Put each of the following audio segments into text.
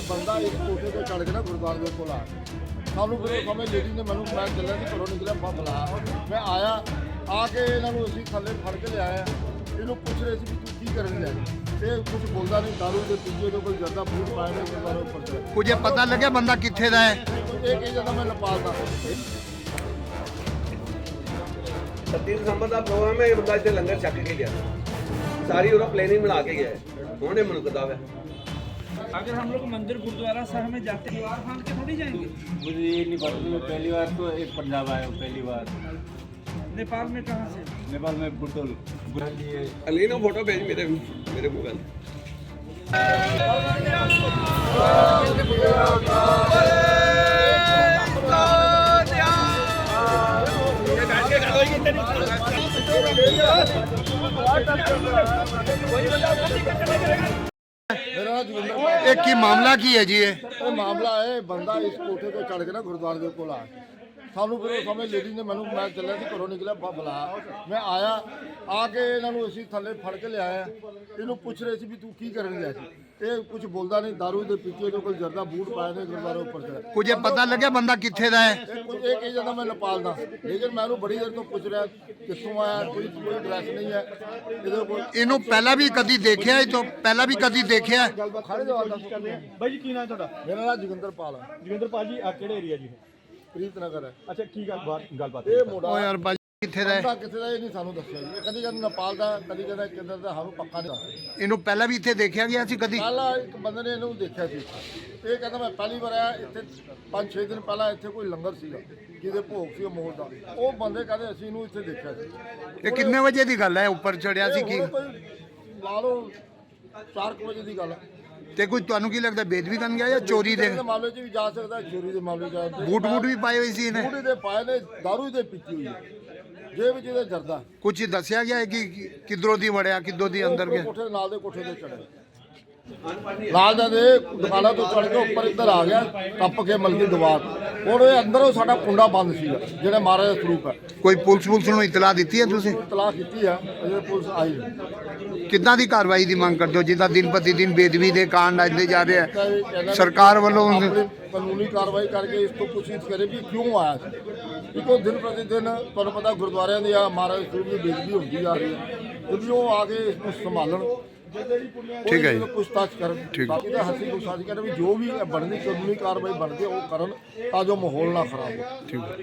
बंदा इस कोठे से चढ़ के ना गुरुद्वारे के कोल आ सानू फिर समय लेडी ने मैं चलिया कि घरों निकलिया बुलाया मैं आया आके इन्होंने असीं थल्ले फड़ के लिया इन्हों पूछ रहे थे तू की करन लिया ये कुछ बोलता नहीं दारू के पीछे तो कोई जर्दा फूट पाए ने गुरुद्वारे ऊपर चढ़े कुछ पता लगे बंदा कित्थे दा है एक ही जगह मैं नेपाल का 30 दिसंबर का प्रोग्राम है। ये बंदा इतने लंगर छक के गया सारी और प्लानिंग बना के गया है होने मुनकदा है। अगर हम लोग मंदिर गुरुद्वारा साहब में जाते हैं बाहर फांग के थोड़ी जाएंगे। मुझे ये नहीं पता मैं पहली बार तो एक पंजाब आया हूँ पहली बार। नेपाल में कहाँ से? नेपाल में बुटोल अली ना फोटो भेज मेरे मोबाइल मेरा नाम जोगिंदर पाल एक की मामला की है जी ये ਇਹ ਮਾਮਲਾ ਹੈ ਬੰਦਾ ਇਸ ਕੋਠੇ ਤੇ ਚੜ ਕੇ ਨਾ ਗੁਰਦੁਆਰੇ ਦੇ ਕੋਲ ਆ ਸਾਨੂੰ ਫਿਰ ਸਮੇਂ ਲੇਡੀ ਨੇ ਮੈਂ ਚੱਲਿਆ ਸੀ ਘਰੋਂ ਨਿਕਲਿਆ ਬੁਲਾਇਆ ਮੈਂ ਆਇਆ ਆ ਕੇ ਇਹਨਾਂ ਨੂੰ ਅਸੀਂ ਥੱਲੇ ਫੜ ਕੇ ਲਿਆਇਆ ਇਹਨੂੰ ਪੁੱਛ ਰਹੇ ਸੀ ਵੀ ਤੂੰ ਕੀ ਕਰਨ ਗਿਆ ਸੀ ਇਹ ਕੁਝ ਬੋਲਦਾ ਨਹੀਂ दारू ਦੇ ਪੀਛੇ ਤੋਂ ਕੋਈ ਜਰਦਾ ਬੂਟ ਪਾਏ ਨੇ ਗੁਰਦੁਆਰੇ ਉੱਪਰ ਚੜ੍ਹ कुछ पता लगे बंदा कित्थे दा है ਇਹ ਕਹੀ ਜਾਂਦਾ ਮੈਂ ਨੇਪਾਲ ਦਾ ਲੇਕਿਨ ਮੈਂ ਉਹਨੂੰ ਬੜੀ ਦੇਰ ਤੋਂ ਪੁੱਛ ਰਿਹਾ ਕਿੱਥੋਂ ਆਇਆ ਕੋਈ ਐਡਰੈਸ ਨਹੀਂ ਹੈ ਇਹਦੇ ਕੋਲ ਇਹਨੂੰ ਪਹਿਲਾਂ ਵੀ ਕਦੀ ਦੇਖਿਆ ਇਹ ਤੋਂ ਪਹਿਲਾਂ ਵੀ ਕਦੀ ਦੇਖਿਆ ਖੜੇ ਜਵਾਬ ਦੱਸ ਬਾਈ ਜੀ ਕੀ ਨਾਮ ਤੁਹਾਡਾ? ਮੇਰਾ ਨਾਮ ਜੋਗਿੰਦਰ ਪਾਲ ਹੈ ਜੋਗਿੰਦਰ ਪਾਲ ਜੀ ਆ ਕਿਹੜੇ ਏਰੀਆ ਜੀ? ਪ੍ਰੀਤ ਨਗਰ ਹੈ ਅੱਛਾ ਕੀ ਗੱਲਬਾਤ ਇਹ ਮੋੜਾ ਓ ਯਾਰ ਬਾਜੀ ਕਿੱਥੇ ਦਾ ਹੈ ਬੰਦਾ ਕਿੱਥੇ ਦਾ ਇਹ ਨਹੀਂ ਸਾਨੂੰ ਦੱਸਿਆ ਜੀ ਕਦੀ ਕਹਿੰਦਾ ਨੇਪਾਲ ਦਾ ਕਦੀ ਕਹਿੰਦਾ ਕਿੱਧਰ ਦਾ ਸਾਨੂੰ ਪੱਕਾ ਨਹੀਂ ਦੱਸਿਆ ਇਹਨੂੰ ਪਹਿਲਾਂ ਵੀ ਇੱਥੇ ਦੇਖਿਆ ਗਿਆ ਸੀ ਕਦੀ ਪਹਿਲਾਂ ਇੱਕ ਬੰਦੇ ਨੇ ਇਹਨੂੰ ਦੇਖਿਆ ਸੀ ਇਹ ਕਹਿੰਦਾ ਮੈਂ ਪਹਿਲੀ ਵਾਰ ਆਇਆ ਇੱਥੇ 5-6 ਦਿਨ ਪਹਿਲਾਂ ਇੱਥੇ ਕੋਈ ਲੰਗਰ ਸੀਗਾ ਜਿਹਦੇ ਭੋਗ ਸੀ ਮੋੜ ਦਾ ਉਹ ਬੰਦੇ ਕਹਿੰਦੇ ਅਸੀਂ ਇਹਨੂੰ ਇੱਥੇ ਦੇਖਿਆ ਸੀ ਇਹ ਕਿੰਨੇ ਵਜੇ ਦੀ ਗੱਲ ਹੈ ਉੱਪਰ ਚੜਿਆ ਸੀ ਕੀ ਹੁਣ ਕੋਈ ਲਾ ਲਓ 4 ਵਜੇ ਦੀ ਗੱਲ ਹੈ ਤੇ ਕੋਈ ਤੁਹਾਨੂੰ ਕੀ ਲੱਗਦਾ ਬੇਦਬੀ ਕਰਨ ਗਿਆ ਜਾਂ ਚੋਰੀ ਦੇ ਦੇ ਮਾਮਲੇ 'ਚ ਵੀ ਜਾ ਸਕਦਾ ਚੋਰੀ ਦੇ ਮਾਮਲੇ 'ਚ ਜਾ ਸਕਦਾ ਬੂਟ ਵੀ ਪਾਏ ਹੋਏ ਸੀ ਇਹਨੇ ਬੂਟ ਦੇ ਪਾਏ ਨੇ ਦਾਰੂ ਦੇ ਪੀਤੀ ਹੋਈ ਹੈ ਜੇਬ 'ਚ ਇਹਦੇ ਜਰਦਾ ਕੁਝ ਦੱਸਿਆ ਗਿਆ ਹੈ ਕਿ ਕਿਧਰੋਂ ਦੀ ਵੜਿਆ ਕਿੱਦੋਂ ਦੀ ਅੰਦਰ ਗਿਆ ਕੋਠੇ ਨਾਲ ਦੇ ਕੋਠੇ ਤੇ ਚੜਿਆ ਨਾਲ ਦੇ ਦੁਕਾਨਾਂ ਤੋਂ ਚੜ ਕੇ ਉੱਪਰ ਇੱਧਰ ਆ ਗਿਆ ਟੱਪ ਕੇ ਮਲਕੀ ਦੀਵਾਰ ਹੁਣ ਇਹ ਅੰਦਰੋਂ ਸਾਡਾ ਕੁੰਡਾ ਬੰਦ ਸੀਗਾ ਜਿਹੜਾ ਮਹਾਰਾਜ ਦਾ ਸਰੂਪ ਹੈ ਕੋਈ ਪੁਲਿਸ ਨੂੰ ਇਤਲਾਹ ਦਿੱਤੀ ਹੈ ਤੁਸੀਂ ਤਲਾਕ ਕੀਤੀ ਆ ਅਜੇ ਪੁਲਿਸ ਆਈ ਨਹੀਂ ਕਿੱਦਾਂ ਦੀ ਕਾਰਵਾਈ ਦੀ ਮੰਗ ਕਰਦੇ ਹੋ ਜਿੱਦਾਂ ਦਿਨ ਪ੍ਰਤੀ ਦਿਨ ਬੇਦਬੀ ਦੇ ਕਾਂਡ ਆਉਂਦੇ ਜਾ ਰਹੇ ਆ ਸਰਕਾਰ ਵੱਲੋਂ ਆਪਣੀ ਕਾਨੂੰਨੀ ਕਾਰਵਾਈ ਕਰਕੇ ਇਸ ਤੋਂ ਪੁੱਛਗਿੱਛ ਕਰੇ ਵੀ ਕਿਉਂ ਆਇਆ ਸੀ ਕਿਉਂਕਿ ਦਿਨ ਪ੍ਰਤੀ ਦਿਨ ਤੁਹਾਨੂੰ ਪਤਾ ਗੁਰਦੁਆਰਿਆਂ ਦੀ ਆ ਮਹਾਰਾਜ ਦੇ ਸਰੂਪ ਦੀ ਬੇਦਬੀ ਹੁੰਦੀ ਜਾ ਰਹੀ ਹੈ ਕਿਉਂਕਿ ਉਹ ਆ ਕੇ ਇਸ ਨੂੰ ਸੰਭਾਲਣ ਠੀਕ ਹੈ ਜੀ। ਪੁੱਛਤਾਛ ਕਰਨ ਬਾਕੀ ਤਾਂ ਹੱਸੀ ਪੁੱਛਤਾਛ ਕਰਨ ਵੀ ਜੋ ਵੀ ਬਣਦੀ ਕਾਨੂੰਨੀ ਕਾਰਵਾਈ ਬਣਦੀ ਹੈ ਉਹ ਕਰਨ ਤਾਂ ਜੋ ਮਾਹੌਲ ਨਾ ਖਰਾਬ ਹੋ ਠੀਕ ਹੈ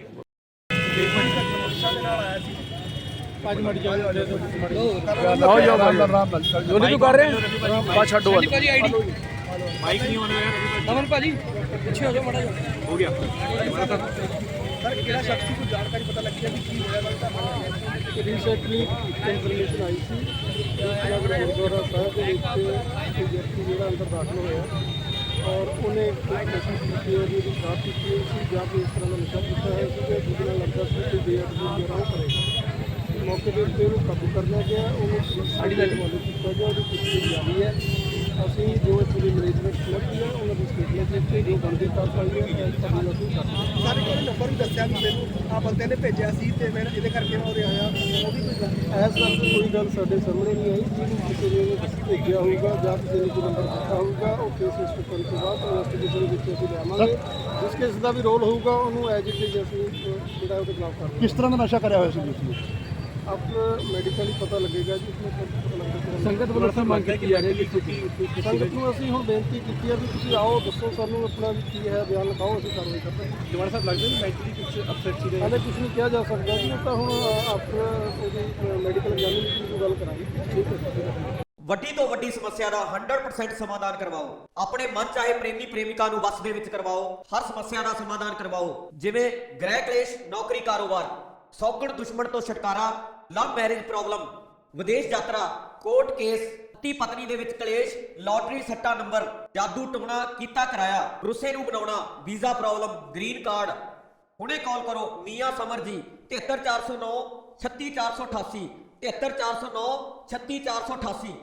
ਜੋਨੀ ਤੂੰ ਕਰ ਰਿਹਾ ਬਾ ਛੱਡੋ भाजी आईडी माइक नहीं होने नमन भाजी पीछे हो जाओ माड़ा हो गया ਸਰ ਕਿਹੜਾ ਸ਼ਖਸ ਨੂੰ ਜਾਣਕਾਰੀ ਪਤਾ ਲੱਗੀ ਹੈ ਕਿ ਕੀ ਹੋਇਆ ਵਾਲਾ ਰੀਸੈਂਟਲੀ ਇਨਫੋਰਮੇਸ਼ਨ ਆਈ ਸੀ ਗੁਰਦੁਆਰਾ ਸਾਹਿਬ ਦੇ ਵਿੱਚ ਇੱਕ ਵਿਅਕਤੀ ਜਿਹੜਾ ਅੰਦਰ ਦਾਖਲ ਹੋਇਆ ਔਰ ਉਹਨੇ ਕੋਸ਼ਿਸ਼ ਕੀਤੀ ਹੈ ਉਹਦੀ ਸ਼ਰਾਬ ਪੀਤੀ ਹੋਈ ਸੀ ਜਾਂ ਕਿ ਇਸ ਤਰ੍ਹਾਂ ਦਾ ਨਸ਼ਾ ਕੀਤਾ ਹੋਇਆ ਸੀ ਕਿ ਜਿਹਦੇ ਨਾਲ ਲੱਗਦਾ ਸੀ ਕਿ ਬੇਅਦਬੀ ਜਿਹੜਾ ਉਹ ਕਰੇਗਾ ਮੌਕੇ ਦੇ ਉੱਤੇ ਉਹਨੂੰ ਕਾਬੂ ਕਰ ਲਿਆ ਗਿਆ ਉਹਨੂੰ ਪੁਲਿਸ ਸਾਡੀ ਦਾ ਹਵਾਲੇ ਕੀਤਾ ਗਿਆ ਉਹਦੀ ਪੁੱਛਗਿੱਛ ਜਾਰੀ ਹੈ ਅਸੀਂ ਜੋ ਪੂਰੀ ਮੈਨੇਜਮੈਂਟ ਲੱਗੀ ਹੈ ਉਹਨਾਂ ਦੀ ਸਟੇਟਮੈਂਟ ਲਿਖ ਕੇ ਜੋ ਬਣਦੀ ਕਾਰਵਾਈ ਹੈ ਅਸੀਂ ਕਰਦੇ ਸਾਰੇ ਕੋਲ ਨੰਬਰ ਵੀ ਦੱਸਿਆ ਵੀ ਮੈਨੂੰ ਆ ਬੰਦੇ ਨੇ ਭੇਜਿਆ ਸੀ ਤੇ ਮੈਂ ਇਹਦੇ ਕਰਕੇ ਮੈਂ ਉਰੇ ਆਇਆ ਉਹ ਵੀ ਕੋਈ ਗੱਲ ਐਸ ਵਕਤ ਕੋਈ ਗੱਲ ਸਾਡੇ ਸਾਹਮਣੇ ਨਹੀਂ ਆਈ ਜਿਹਨੂੰ ਕਿਸੇ ਨੇ ਭੇਜਿਆ ਹੋਊਗਾ ਜਾਂ ਕਿਸੇ ਨੇ ਕੋਈ ਨੰਬਰ ਦਿੱਤਾ ਹੋਊਗਾ ਉਹ ਕੇਸ ਰਜਿਸਟਰ ਕਰਨ ਤੋਂ ਬਾਅਦ ਇਨਵੈਸਟੀਗੇਸ਼ਨ ਵਿੱਚ ਅਸੀਂ ਲਿਆਵਾਂਗੇ ਜਿਸ ਕੇਸ ਦਾ ਵੀ ਰੋਲ ਹੋਊਗਾ ਉਹਨੂੰ ਐਜ ਇਟ ਇਜ਼ ਅਸੀਂ ਜਿਹੜਾ ਉਹਦੇ ਖਿਲਾਫ ਕਰਾਂਗੇ ਕਿਸ ਤਰ੍ਹਾਂ ਦਾ ਨਸ਼ਾ ਕਰਿਆ ਹੋਇਆ ਸੀ ਤੁਸੀਂ ਆਪ ਮੈਡੀਕਲੀ ਪਤਾ ਲੱਗੇਗਾ ਜੀ ਇਸਨੂੰ ਪਤਾ ਲੱਗੇਗਾ ਸੰਗਤ ਵੱਲੋਂ ਤਾਂ ਮੰਗ ਕੀਤੀ ਜਾ ਰਹੀ ਹੈ ਕਿ ਸੰਗਤ ਨੂੰ ਅਸੀਂ ਹੁਣ ਬੇਨਤੀ ਕੀਤੀ ਹੈ ਵੀ ਤੁਸੀਂ ਆਓ ਦੱਸੋ ਸਾਨੂੰ ਆਪਣਾ ਵੀ ਕੀ ਹੈ ਬਿਆਨ ਲਿਖਾਓ ਅਸੀਂ ਕਾਰਵਾਈ ਕਰਦੇ ਹਾਂ ਜਵਾਨ ਸਾਹਿਬ ਲੱਗਦਾ ਨਹੀਂ ਮੈਂਟਲੀ ਕੁਝ ਅਪਸੈਟ ਸੀ ਹਾਲੇ ਕੁਝ ਨਹੀਂ ਕਿਹਾ ਜਾ ਸਕਦਾ ਜੀ ਉਹ ਤਾਂ ਹੁਣ ਆਪਣਾ ਉਹਦੀ ਮੈਡੀਕਲ ਐਗਜ਼ਾਮਿਨੇਸ਼ਨ ਦੀ ਗੱਲ ਕਰਾਂਗੇ ਠੀਕ ਹੈ ਵੱਡੀ ਤੋਂ ਵੱਡੀ ਸਮੱਸਿਆ ਦਾ 100% ਸਮਾਧਾਨ ਕਰਵਾਓ। ਆਪਣੇ ਮਨ ਚਾਹੇ ਪ੍ਰੇਮੀ ਪ੍ਰੇਮਿਕਾ ਨੂੰ ਵਸ ਦੇ ਵਿੱਚ ਕਰਵਾਓ। ਹਰ ਸਮੱਸਿਆ ਦਾ ਸਮਾਧਾਨ ਕਰਵਾਓ ਜਿਵੇਂ ਗ੍ਰਹਿ ਕਲੇਸ਼, ਨੌਕਰੀ, ਕਾਰੋਬਾਰ, ਸੌਗਣ ਦੁਸ਼ਮਣ ਤੋਂ ਛੁਟਕਾਰਾ, ਲਵ ਮੈਰਿਜ ਪ੍ਰੋਬਲਮ, ਵਿਦੇਸ਼ ਯਾਤਰਾ, ਕੋਰਟ ਕੇਸ, ਪਤੀ ਪਤਨੀ ਦੇ ਵਿੱਚ ਕਲੇਸ਼, ਲਾਟਰੀ ਸੱਟਾ ਨੰਬਰ, ਜਾਦੂ ਟੋਣਾ ਕੀਤਾ ਕਰਾਇਆ, ਰੁੱਸੇ ਨੂੰ ਬਣਾਉਣਾ, ਵੀਜ਼ਾ ਪ੍ਰੋਬਲਮ, ਗ੍ਰੀਨ ਕਾਰਡ। ਹੁਣੇ ਕਾਲ ਕਰੋ ਮੀਆਂ ਸਮਰ ਜੀ 73409 36488 73409 36488।